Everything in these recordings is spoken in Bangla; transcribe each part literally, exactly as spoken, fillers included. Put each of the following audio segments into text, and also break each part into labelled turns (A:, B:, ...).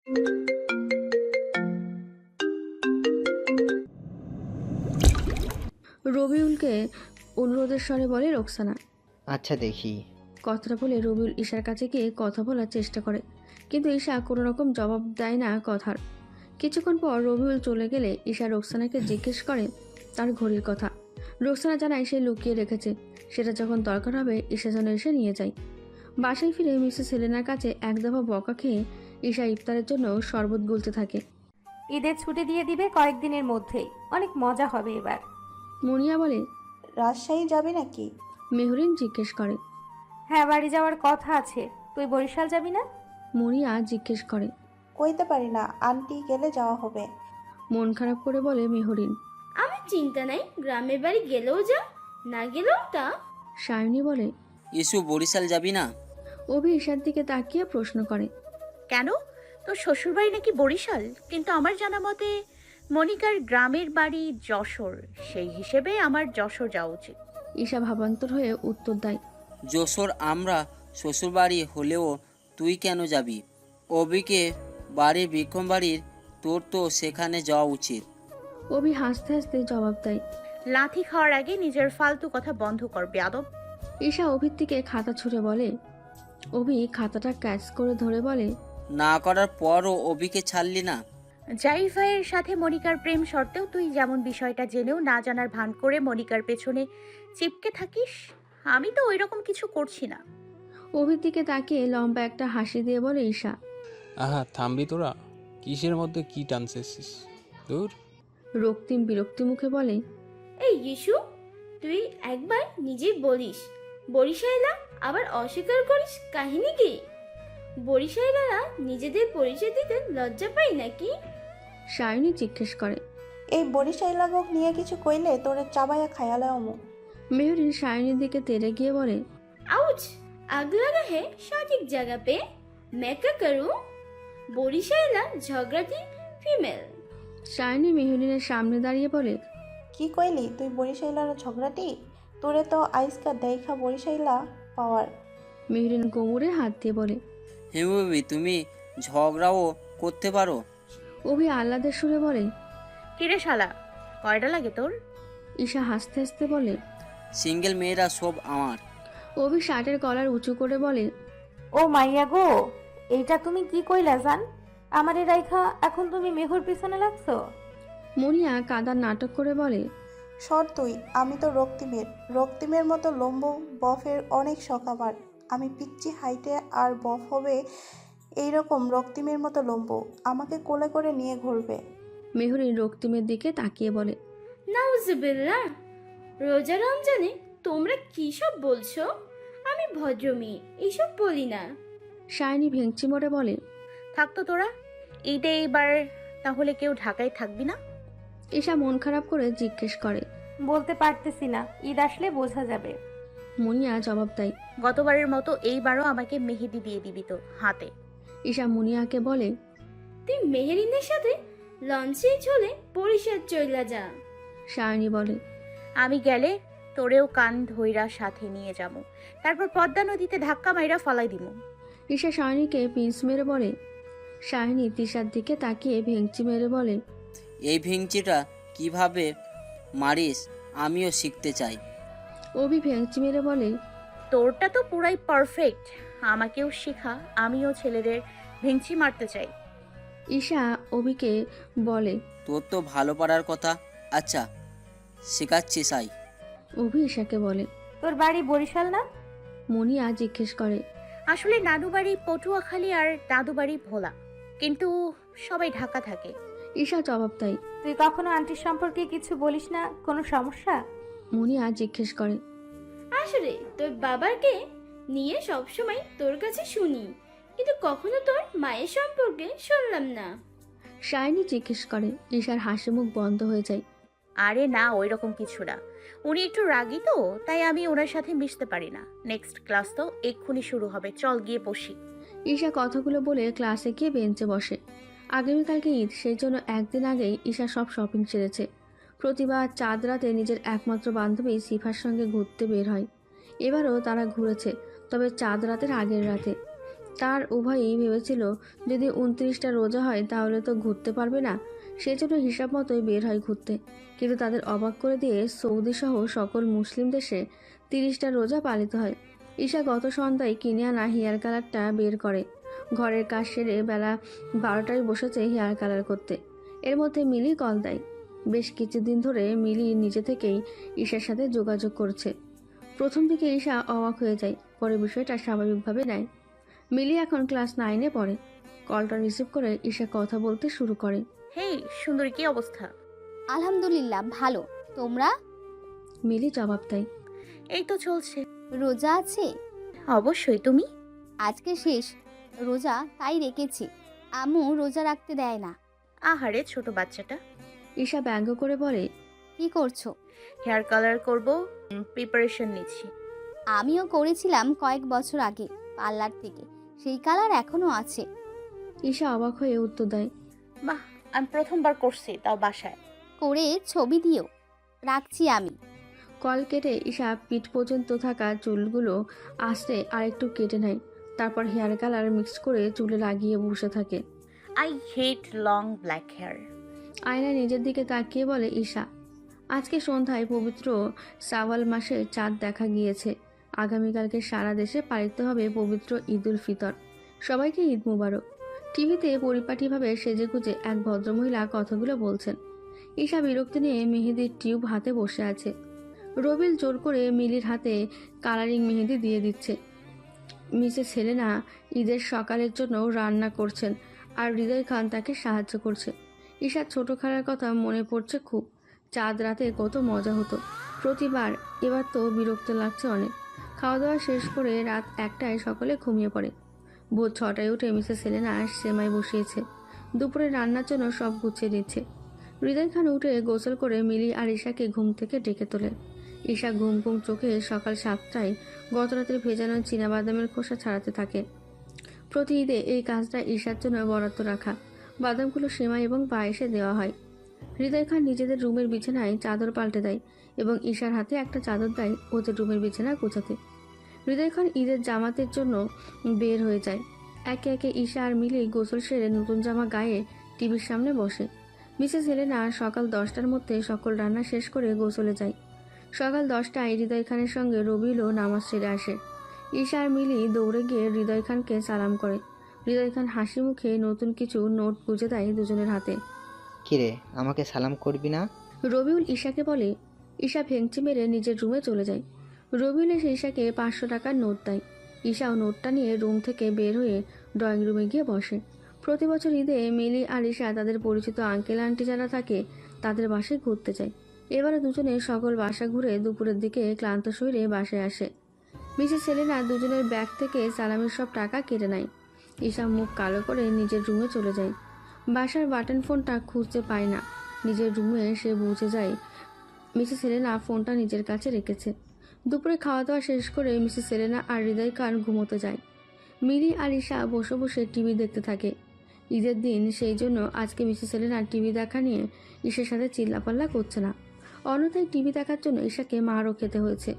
A: রবিউলকে অনুরোধের স্বরে বলে রোকসানা।
B: আচ্ছা দেখি।
A: কথাটা বলে রবিউল ঈশার কাছে গিয়ে কথা বলার চেষ্টা করে, কিন্তু ঈশা কোনো রকম জবাব দেয় না কথার। কিছুক্ষণ পর রবিউল চলে গেলে ঈশা রোকসানাকে জিজ্ঞেস করে তার ঘড়ির কথা। রোকসানা জানায় সে লুকিয়ে রেখেছে, সেটা যখন দরকার হবে ঈশা যেন এসে নিয়ে যায়। বাসায় ফিরে মিসেস হেলেনার কাছে এক দফা বকা খেয়ে ঈশা ইফতারের জন্য শরবত গুলতে থাকে।
C: ঈদের ছুটি দিয়ে দিবে কয়েকদিনের মধ্যেই, অনেক মজা হবে এবার।
A: মুনিয়া বলে,
D: রাজশাহী যাবি নাকি?
A: মেহরিন জিজ্ঞেস করে।
C: হ্যাঁ, বাড়ি যাওয়ার কথা আছে। তুই বরিশাল যাবি না?
A: মুনিয়া জিজ্ঞেস করে।
D: কইতে পারি না, আন্টি গেলে যাওয়া হবে।
A: মন খারাপ করে বলে মেহরিন।
E: আমার চিন্তা নাই, গ্রামের বাড়ি গেলেও যা, না গেলেও তা।
A: সায়নী বলে,
F: ইসু বরিশাল যাবি না?
A: অভি ঈশার দিকে তাকিয়ে প্রশ্ন করে।
G: কেন? তোর শ্বশুরবাড়ি নাকি বরিশাল, কিন্তু আমার জানা মতে মনিকার গ্রামের বাড়ি যশোর, সেই হিসেবে আমার যশোর যাওয়া উচিত।
A: ঈশা ভাবান্তর হয়ে উত্তর দেয়।
F: যশোর আমরা শ্বশুরবাড়ি হলেও তুই কেন যাবি? অবিকে বাড়ির বিক্রম বাড়ির, তোর তো সেখানে যাওয়া উচিত।
A: অভি হাসতে হাসতে জবাব দেয়।
G: লাথি খাওয়ার আগে নিজের ফালতু কথা বন্ধ কর বেয়াদব।
A: ঈশা অভির দিকে খাতা ছুঁড়ে বলে। অভি খাতাটা ক্যাচ করে ধরে বলে,
F: না করার পরও অবিকে ছাড়লি না।
G: জাইফ ভাইয়ের সাথে মনিকার প্রেম সত্ত্বেও তুই যেমন বিষয়টা জেনেও না জানার ভান করে মনিকার পেছনে চিপকে থাকিস, আমি তো ওই রকম কিছু করছি না।
A: অভির দিকে তাকিয়ে লম্বা একটা হাসি দিয়ে বলে ঈশা।
H: আহা থামবি তোরা, কিসের মধ্যে কি টানছিস? দূর।
A: রক্তিম বিরক্তি মুখে বলে,
E: এই ইস্যু, তুই একবার নিজেই বলিস বরিশাইলা, আবার অস্বীকার করিস, কাহিনী কি? বরিশাইলারা নিজেদের পরিচয় দিতে লজ্জা পাই নাকি?
A: সায়নী জিজ্ঞেস করে।
D: এই বরিশাইলা লোক নিয়ে কিছু কইলে তোরে চাবাইয়া খায়ালে অমু।
A: মেহরিন সায়নীর দিকে তেড়ে গিয়ে বলে,
E: आउच, आग लगा है सटीक जगह पे, मैं क्या करूं? বরিশাইলা ঝগড়াটি ফিমেল।
A: সায়নী মেহরিনের সামনে দাঁড়িয়ে বলে,
D: কি কইলি তুই বরিশাইলার ঝগড়াটি? তোরে তো আইসকা দেখা বরিশাইলা পাওয়ার।
A: মেহরিন কোমরে হাত দিয়ে বলে।
F: হেমবি তুমি ঝগড়াও করতে পারো?
A: অভি আহ্লাদের সুরে বলে।
G: কিরে শালা, কয়টা লাগে তোর?
A: ঈশা হাসতে হাসতে বলে,
F: সিঙ্গেল মেয়েরা সব আমার।
A: অভি শার্টের কলার উঁচু করে বলে,
C: ও মাইয়া গো, এইটা তুমি কি কইলা জান? আমারে রাইখা এখন তুমি মেঘর পিছনে লাগছো?
A: মুনিয়া কাদার নাটক করে বলে,
D: সর তুই, আমি তো রক্তিমের রক্তিমের মতো লম্বু বফের অনেক শখ আমার। আমি পিচ্ছি হাইটে আর বফ হবে এইরকম রক্তিমের মতো লম্বু, আমাকে কোলে করে নিয়ে ঘুরবে।
A: মেহরিন রক্তিমের দিকে তাকিয়ে বলে,
E: নাউজুবিল্লাহ, রোজা রমজানে তোমরা কি সব বলছো? আমি ভদ্র মেয়ে, এইসব বলি না।
A: সায়নী ভেঙচি মরে বলে।
G: থাকতো তোরা, ঈদে এইবার তাহলে কেউ ঢাকায় থাকবি না?
A: ঈশা মন খারাপ করে জিজ্ঞেস করে।
C: বলতে পারতেছি না, ঈদ আসলে বোঝা যাবে।
A: মুনিয়া জবাব দেয়।
G: গতবারের মতো এইবারও আমাকে মেহেদি দিয়ে দিবি তো হাতে।
A: ঈশা মুনিয়াকে বলে,
E: তুই মেহেরিনের সাথে লঞ্চে চলে বরিশাল চইলা যা।
A: সায়নী বলে,
G: আমি গেলে তোরেও কান ধইরা সাথে নিয়ে যাবো, তারপর পদ্মা নদীতে ধাক্কা মাইরা ফালাই দিমু।
A: ঈশা সায়নীকে পিঞ্চ মেরে বলে। সায়নী তিশার দিকে তাকিয়ে ভেঙচি মেরে বলে,
F: এই ভিংচিটা কিভাবে মারিস আমিও শিখতে চাই।
A: অভি ভেঙচি মেরে বলে,
G: তোরটা তো পুরাই পারফেক্ট, আমাকেও শেখা, আমিও ছেলেদের ভেঙচি মারতে চাই।
A: ঈশা অভিকে বলে।
F: তোর তো ভালো পারার কথা, আচ্ছা শেখাচ্ছি সাই।
A: অভি ঈশাকে বলে,
C: তোর বাড়ি বরিশাল না?
A: মুনিয়া জিজ্ঞেস করে।
G: আসলে নানু বাড়ি পটুয়াখালী আর দাদু বাড়ি ভোলা, কিন্তু সবাই ঢাকা থাকে।
A: ঈশা জবাব দেয়।
C: তুই কখনো আন্টির সম্পর্কে কিছু বলিস না? কোনো সমস্যা?
A: মুনিয়া জিজ্ঞেস করে।
E: আসলে তোর বাবাকে নিয়ে সবসময় তোর কাছে শুনি, কিন্তু কখনো তোর মায়ের সম্পর্কে শুনলাম না।
A: সায়নী জিজ্ঞেস করে। ঈশার হাসি মুখ বন্ধ হয়ে যায়।
G: আরে না, ওই রকম কিছু না, উনি একটু রাগী তো, তাই আমি ওনার সাথে মিশতে পারি না। নেক্সট ক্লাস তো এক্ষুনি শুরু হবে, চল গিয়ে বসি।
A: ঈশা কথাগুলো বলে ক্লাসে গিয়ে বেঞ্চে বসে। আগামীকালকে ঈদ, সেই জন্য একদিন আগেই ঈশা সব শপিং সেরেছে। প্রতিবার চাঁদ রাতে নিজের একমাত্র বান্ধবী সিফার সঙ্গে ঘুরতে বের হয়। এবারও তারা ঘুরেছে, তবে চাঁদ রাতের আগের রাতে। তার উভয়ই ভেবেছিল যদি উনত্রিশটা রোজা হয় তাহলে তো ঘুরতে পারবে না, সেজন্য হিসাব মতোই বের হয় ঘুরতে। কিন্তু তাদের অবাক করে দিয়ে সৌদি সহ সকল মুসলিম দেশে তিরিশটা রোজা পালিত হয়। ঈশা গত সন্ধ্যায় কিনে আনা হেয়ার কালারটা বের করে। ঘরের কাজ সেরে বেলা বারোটায় বসেছে হেয়ার কালার করতে। এর মধ্যে মিলি কল দেয়। বেশ কিছুদিন ধরে মিলি নিজে থেকেই ঈশার সাথে যোগাযোগ করছে। প্রথম দিকে ঈশা অবাক হয়ে যায়, পরে বিষয়টা স্বাভাবিকভাবে নেয়। মিলি এখন ক্লাস নাইনে পড়ে। কলটা রিসিভ করে ঈশা কথা বলতে শুরু করে।
G: হেই সুন্দরী, কি অবস্থা?
B: আলহামদুলিল্লাহ ভালো। তোমরা?
A: মিলি জবাব দেয়।
G: এই তো চলছে।
B: রোজা আছে?
G: অবশ্যই। তুমি?
B: আজকে শেষ রোজা, তাই রেখেছি। আম্মু রোজা রাখতে দেয় না।
G: আহারে ছোট বাচ্চাটা।
A: ঈশা ব্যঙ্গ করে বলে,
B: কি করছো?
G: হেয়ার কালার করব, প্রিপারেশন নিচ্ছি।
B: আমিও করেছিলাম কয়েক বছর আগে পার্লার থেকে, সেই কালার এখনো আছে।
A: ঈশা অবাক হয়ে উত্তর দেয়।
G: বাহ, আমি প্রথমবার করছি, তাও বাসায়।
B: করে ছবি দিও। রাখছি আমি।
A: কল কেটে ঈশা পিঠ পর্যন্ত থাকা চুলগুলো আস্তে আরেকটু কেটে নেয়। তারপর হেয়ার কালার মিক্স করে চুলে লাগিয়ে বসে থাকে।
G: I hate long black hair.
A: আয়নায় নিজের দিকে তাকিয়ে বলে ঈশা। আজকে সন্ধ্যায় পবিত্র শাওয়াল মাসের চাঁদ দেখা গিয়েছে। আগামীকালকে সারা দেশে পালিত হবে পবিত্র ঈদ উল ফিতর। সবাইকে ঈদ মুবারক। টিভিতে পরিপাটিভাবে সেজেগুজে এক ভদ্রমহিলা কথাগুলো বলছেন। ঈশা বিরক্তি নিয়ে মেহেদির টিউব হাতে বসে আছে। রবিল জোর করে মিলির হাতে কালারিং মেহেদি দিয়ে দিচ্ছে। মিসেস হেলেনা ঈদের সকালের জন্য রান্না করছেন আর হৃদয় খান তাকে সাহায্য করছে। ঈশার ছোট খালার কথা মনে পড়ছে খুব। চাঁদ রাতে কত মজা হতো প্রতিবার। এবার তো বিরক্ত লাগছে অনেক। খাওয়া দাওয়া শেষ করে রাত একটায় সকলে ঘুমিয়ে পড়ে। ভোর ছটায় উঠে মিসেস হেলেনা সেমাই বসিয়েছে। দুপুরে রান্নার জন্য সব গুছিয়ে দিচ্ছে। হৃদয় খান উঠে গোসল করে মিলি আর ঈশাকে ঘুম থেকে ডেকে তোলে। ঈশা ঘুম ঘুম চোখে সকাল সাতটায় গত রাতের ভেজানো চীনাবাদামের খোসা ছাড়াতে থাকে। প্রতি ঈদে এই কাজটা ঈশার জন্য বরাদ্দ রাখা। বাদামগুলো সেমাই এবং পায়েসে দেওয়া হয়। হৃদয় খান নিজেদের রুমের বিছানায় চাদর পাল্টে দেয় এবং ঈশার হাতে একটা চাদর দেয় ওদের রুমের বিছানা গোছাতে। হৃদয় খান ঈদের জামাতের জন্য বের হয়ে যায়। একে একে ঈশা আর মিলি গোসল সেরে নতুন জামা গায়ে টিভির সামনে বসে। মিসেস হেলেনা সকাল দশটার মধ্যে সকল রান্না শেষ করে গোসলে যায়। সকাল দশটায় হৃদয় খানের সঙ্গে রবিলও নামাজ সেরে আসে। ঈশা আর মিলি দৌড়ে গিয়ে হৃদয় খানকে সালাম করে। হৃদয় খান হাসি মুখে নতুন কিছু নোট গুঁজে দেয় দুজনের হাতে।
I: কিরে, আমাকে সালাম করবি না?
A: রবিউল ঈশাকে বলে। ঈশা ভেঙচি মেরে নিজের রুমে চলে যায়। রবিউল এসে ঈশাকে পাঁচশো টাকার নোট দেয়। ঈশাও নোটটা নিয়ে রুম থেকে বের হয়ে ড্রয়িং রুমে গিয়ে বসে। প্রতি বছর ঈদে মিলি আর ঈশা তাদের পরিচিত আঙ্কেল আন্টি যারা থাকে তাদের বাসায় ঘুরতে যায়। এবারে দুজনে সকল বাসা ঘুরে দুপুরের দিকে ক্লান্ত শরীরে বাসায় আসে। মিসেস সেলেনা দুজনের ব্যাগ থেকে সালামির সব টাকা কেটে নেয়। ঈশা মুখ কালো করে নিজের রুমে চলে যায়। বাসার বাটন ফোনটা খুঁজতে পায় না। নিজের রুমে সে বুঝে যায় মিসেস সেলেনা ফোনটা নিজের কাছে রেখেছে। দুপুরে খাওয়া দাওয়া শেষ করে মিসেস সেলেনা আর হৃদয় খান ঘুমোতে যায়। মিলি আর ঈশা বসে বসে টিভি দেখতে থাকে। ঈদের দিন সেই জন্য আজকে মিসেস সেলেনা টিভি দেখা নিয়ে ঈশার সাথে চিল্লাপাল্লা করছে না। অন্যথায় টিভি দেখার জন্য ঈশাকে মারও খেতে হয়েছে।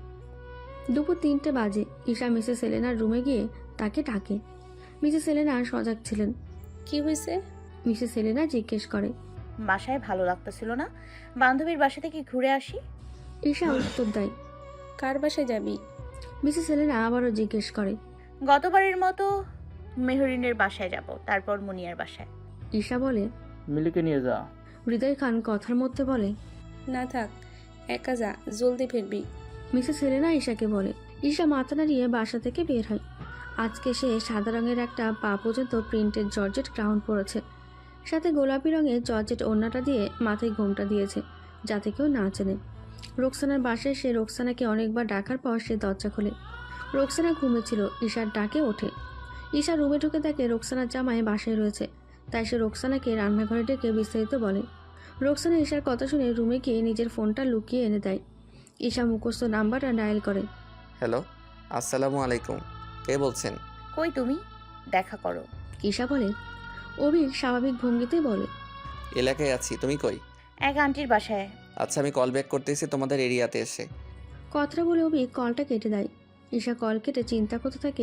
A: দুপুর তিনটে বাজে। ঈশা মিসেস সেলেনার রুমে গিয়ে তাকে ডাকে। মিসেস সেলেনা সজাগ ছিলেন।
J: কি হয়েছে?
A: মিসেস সেলেনা জিজ্ঞেস করে।
G: বাসায় ভালো লাগতেছিল না, বান্ধবীর বাসা থেকে ঘুরে আসি।
A: ঈশা উত্তর দেয়।
J: কার বাসায় যাবি?
A: মিসেস সেলেনা আবারও জিজ্ঞেস করে।
G: গতবারের মতো মেহরিনের বাসায় যাব, তারপর মুনিয়ার বাসায়।
A: ঈশা বলে,
K: মিলিকে নিয়ে যা।
A: হৃদয় খান কথার মধ্যে বলে,
J: না থাক, একা যা, জলদি ফিরবি।
A: মিসেস সেলেনা ঈশাকে বলে। ঈশা মাথা নাড়িয়ে বাসা থেকে বের হয়। আজকে সে সাদা রঙের একটা পা পর্যন্ত প্রিন্টেড জর্জেট ক্রাউন পরেছে। সাথে গোলাপি রঙের জর্জেট ওড়নাটা দিয়ে মাথায় ঘোমটা দিয়েছে যাতে কেউ না চেনে। রোকসানার বাসায় সে রোকসানাকে অনেকবার ডাকার পর সে দরজা খোলে। রোকসানা ঘুমেছিল। ঈশার ডাকে ওঠে। ঈশা রুমে ঢুকে দেখে রোকসানার জামাই বাসায় রয়েছে। তাই সে রোকসানাকে রান্নাঘরে ডেকে বিস্তারিত বলে। রোকসানা ঈশার কথা শুনে রুমে গিয়ে নিজের ফোনটা লুকিয়ে এনে দেয়। ঈশা মুখস্থ নাম্বারটা ডায়াল করে।
L: হ্যালো, আসসালামু আলাইকুম। কে বলছেন?
G: কই তুমি? দেখা করো।
A: ঈশা বলে। অভি স্বাভাবিক ভঙ্গিতে বলে,
L: এলাকায় আছি, তুমি কই?
G: এক আন্টির বাসায়।
L: আচ্ছা, আমি কল ব্যাক করতেছি তোমাদের এরিয়াতে এসে।
A: কথাটা বলে অভি কলটা কেটে দেয়। ঈশা কল কেটে চিন্তা করতে থাকে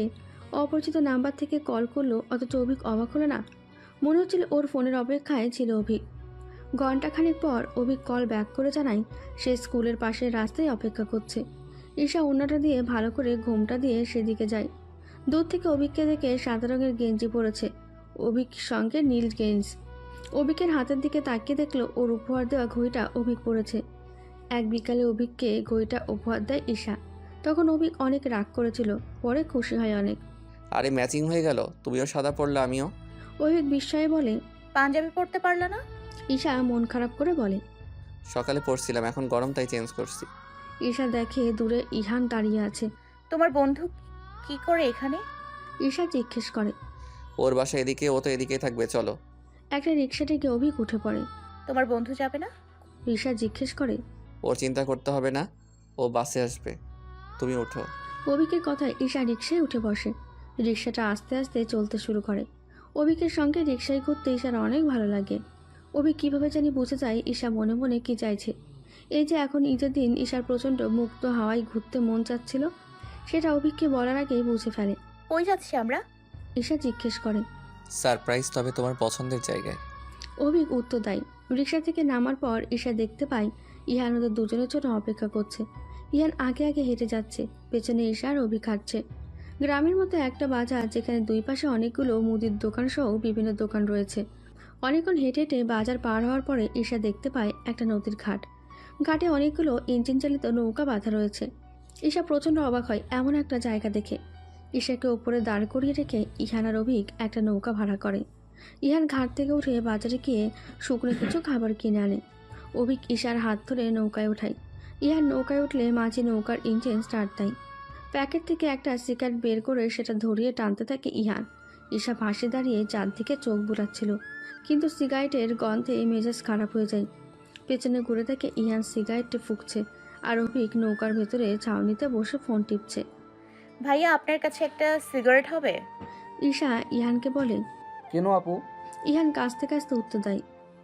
A: অপরিচিত নাম্বার থেকে কল করলো, অথচ অভিক অবাক হলো না। মনে হচ্ছিল ওর ফোনের অপেক্ষায় ছিল অভিক। ঘণ্টাখানেক পর অভিক কল ব্যাক করে জানায় সে স্কুলের পাশের রাস্তায় অপেক্ষা করছে। ঈশা ওড়নাটা দিয়ে ভালো করে ঘোমটা দিয়ে সেদিকে যায়। দূর থেকে অভিককে দেখে সাদা রঙের গেঞ্জি পরেছে, অভিক সঙ্গে নীল গেঞ্জ। অভিকের হাতের দিকে তাকিয়ে দেখলো ওর উপহার দেওয়া ঘড়িটা অভিক পড়েছে। এক বিকালে অভিককে ঘড়িটা উপহার দেয় ঈশা। তখন অভিক অনেক রাগ করেছিল, পরে খুশি হয় অনেক।
L: আরে ম্যাচিং হয়ে গেল, তুমিও সাদা পড়লে আমিও।
A: অভিক বিস্ময়ে বলে,
G: পাঞ্জাবি পরতে পারলা না?
A: ঈশা মন খারাপ করে বলে।
L: সকালে পড়ছিলাম, এখন গরম তাই চেঞ্জ করছি।
A: ঈশা দেখে দূরে ইহান দাঁড়িয়ে আছে।
G: তোমার বন্ধু কি করে এখানে?
A: ঈশা জিজ্ঞেস করে।
L: ওর বাসা এদিকে, ও তো এদিকেই থাকবে, চলো।
A: একটা রিক্সা থেকে অভিক উঠে পড়ে।
G: তোমার বন্ধু যাবে না?
A: ঈশা জিজ্ঞেস করে।
L: ওর চিন্তা করতে হবে না, ও বাসে আসবে, তুমি ওঠো।
A: অভিকের কথায় ঈশা রিক্সায় উঠে বসে। রিক্সাটা আস্তে আস্তে চলতে শুরু করে। অভিকের সঙ্গে রিক্সায় ঘুরতে ঈশার অনেক ভালো লাগে। অভিক কীভাবে জানি বুঝে যায় ঈশা মনে মনে কী চাইছে। এই যে এখন ঈদের দিন ঈশার প্রচণ্ড মুক্ত হাওয়ায় ঘুরতে মন চাচ্ছিল, সেটা অভিককে বলার আগেই বুঝে ফেলে।
G: কই যাচ্ছি আমরা?
A: ঈশা জিজ্ঞেস করে।
L: সারপ্রাইজ, তবে তোমার পছন্দের জায়গায়।
A: অভিক উত্তর দেয়। রিক্সা থেকে নামার পর ঈশা দেখতে পায় ইহান ওদের দুজনের জন্য অপেক্ষা করছে। ইহান আগে আগে হেঁটে যাচ্ছে, পেছনে ঈশা আর অভিক হাঁটছে। গ্রামের মতো একটা বাজার, যেখানে দুই পাশে অনেকগুলো মুদির দোকান সহ বিভিন্ন দোকান রয়েছে। অনেকক্ষণ হেঁটে হেঁটে বাজার পার হওয়ার পরে ঈশা দেখতে পায় একটা নদীর ঘাট। ঘাটে অনেকগুলো ইঞ্জিন চালিত নৌকা বাঁধা রয়েছে। ঈশা প্রচণ্ড অবাক হয় এমন একটা জায়গা দেখে। ঈশাকে ওপরে দাঁড় করিয়ে রেখে ইহান আর অভিক একটা নৌকা ভাড়া করে। ইহান ঘাট থেকে উঠে বাজারে গিয়ে শুকনো কিছু খাবার কিনে আনে। অভিক ঈশার হাত ধরে নৌকায় ওঠায়। ইহান নৌকায় উঠলে মাঝি নৌকার ইঞ্জিন স্টার্ট দেয়। প্যাকেট থেকে একটা সিগারেট বের করে সেটা ধরিয়ে টানতে থাকে ইহান। ঈশা ভাসে দাঁড়িয়ে চারদিকে চোখ বুলাচ্ছিল, কিন্তু সিগারেটের গন্ধে মেজাজ খারাপ হয়ে যায়। পেছনে ঘুরে দেখে ইহান সিগারেটটি ফুঁকছে, আর অভিক নৌকার ভেতরে ছাউনিতে বসে ফোন টিপছে।
G: ভাইয়া, আপনার কাছে একটা সিগারেট হবে?
A: ঈশা ইহানকে বলে।
K: কেন আপু?
A: ইহান কাছতে কাছতে উত্তর দেয়।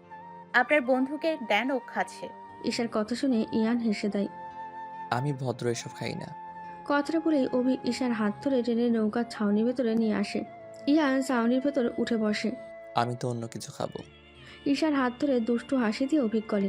G: আপনার বন্ধুকে দেন, ও খাচ্ছে।
A: ঈশার কথা শুনে ইহান হেসে দেয়।
L: আমি ভদ্র, এসব খাই না।
A: কথাটা বলেই অভিক ঈশার হাত ধরে টেনে নৌকার ছাউনির ভেতরে নিয়ে আসে। ইহান ছাউনির ভেতর উঠে বসে।
L: আমি তো অন্য কিছু খাবো।
A: ঈশার হাত ধরে দুষ্টু হাসি দিয়ে অভিক বলে।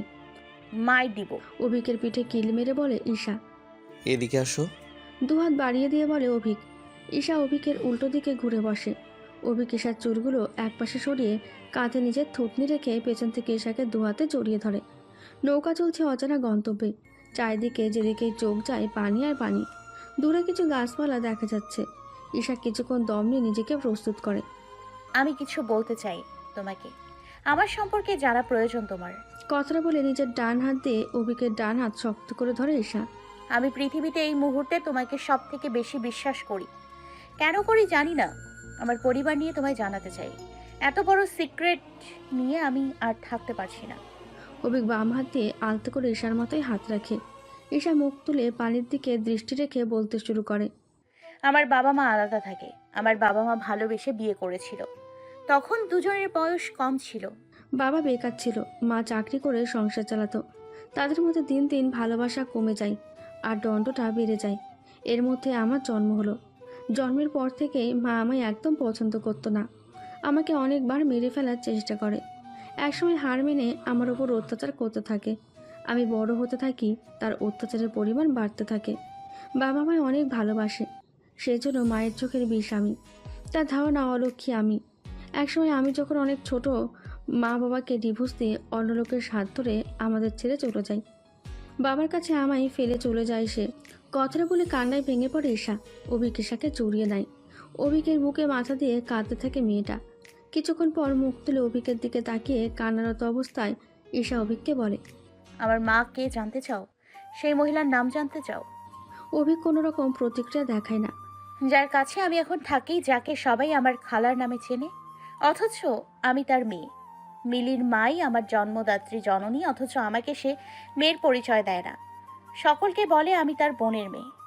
G: মাই দিব।
A: অভিকের পিঠে কিল মেরে বলে ঈশা।
L: এদিকে আসো।
A: দুহাত বাড়িয়ে দিয়ে বলে অভিক। ঈশা অভিকের উল্টো দিকে ঘুরে বসে। অভিক ঈশার চুলগুলো একপাশে সরিয়ে কাঁধে নিজের থুতনি রেখে পেছন থেকে ঈশাকে দুহাতে জড়িয়ে ধরে। নৌকা চলছে অজানা গন্তব্যে। চারিদিকে যেদিকেই চোখ যায় পানি আর পানি। দূরে কিছু গাছপালা দেখা যাচ্ছে। ঈশা কিছুক্ষণ দম নিয়ে নিজেকে প্রস্তুত করে।
G: আমি কিছু বলতে চাই তোমাকে, আমার সম্পর্কে জানা প্রয়োজন তোমার।
A: কথাটা বলে নিজের ডান হাত দিয়ে অভিকের ডান হাত শক্ত করে ধরে ঈশা।
G: আমি পৃথিবীতে এই মুহূর্তে তোমাকে সব থেকে বেশি বিশ্বাস করি। কেন করি জানি না। আমার পরিবার নিয়ে তোমায় জানাতে চাই। এত বড় সিক্রেট নিয়ে আমি আর থাকতে পারছি না।
A: অভিক বাম হাত দিয়ে আলতো করে ঈশার মাথায় হাত রাখে। ঈশা মুখ তুলে পানির দিকে দৃষ্টি রেখে বলতে শুরু করে।
G: আমার বাবা মা আলাদা থাকে। আমার বাবা মা ভালোবেসে বিয়ে করেছিল। তখন দুজনের বয়স কম ছিল।
A: বাবা বেকার ছিল, মা চাকরি করে সংসার চালাতো। তাদের মধ্যে দিন দিন ভালোবাসা কমে যায় আর দণ্ডটা বেড়ে যায়। এর মধ্যে আমার জন্ম হলো। জন্মের পর থেকেই মা আমায় একদম পছন্দ করতো না। আমাকে অনেকবার মেরে ফেলার চেষ্টা করে। একসময় হার মেনে আমার ওপর অত্যাচার করতে থাকে। আমি বড় হতে থাকি, তার অত্যাচারের পরিমাণ বাড়তে থাকে। বাবা আমায় অনেক ভালোবাসে, সেজন্য মায়ের চোখের বিষ আমি। তার ধারণা অলক্ষী আমি। একসময় আমি যখন অনেক ছোট, মা বাবাকে ডিভোর্স দিয়ে অন্য লোকের হাত ধরে আমাদের ছেড়ে চলে যায়। বাবার কাছে আমায় ফেলে চলে যায় সে। কথাটা বলে কান্নায় ভেঙে পড়ে ঈশা। অভিক ঈশাকে জড়িয়ে নেয়। অভিকের বুকে মাথা দিয়ে কাঁদতে থাকে মেয়েটা। কিছুক্ষণ পর মুখ তুলে অভিকের দিকে তাকিয়ে কান্নারত অবস্থায় ঈশা অভিককে বলে।
G: আমার মা কে জানতে চাও? সেই মহিলার নাম জানতে চাও?
A: অভিক কোনো রকম প্রতিক্রিয়া দেখায় না।
G: যার কাছে আমি এখন থাকি, যাকে সবাই আমার খালার নামে চেনে, অথচ আমি তার মেয়ে। মিলির মাই আমার জন্মদাত্রী জননী, অথচ আমাকে সে মেয়ের পরিচয় দেয় না। সকলকে বলে আমি তার বোনের মেয়ে।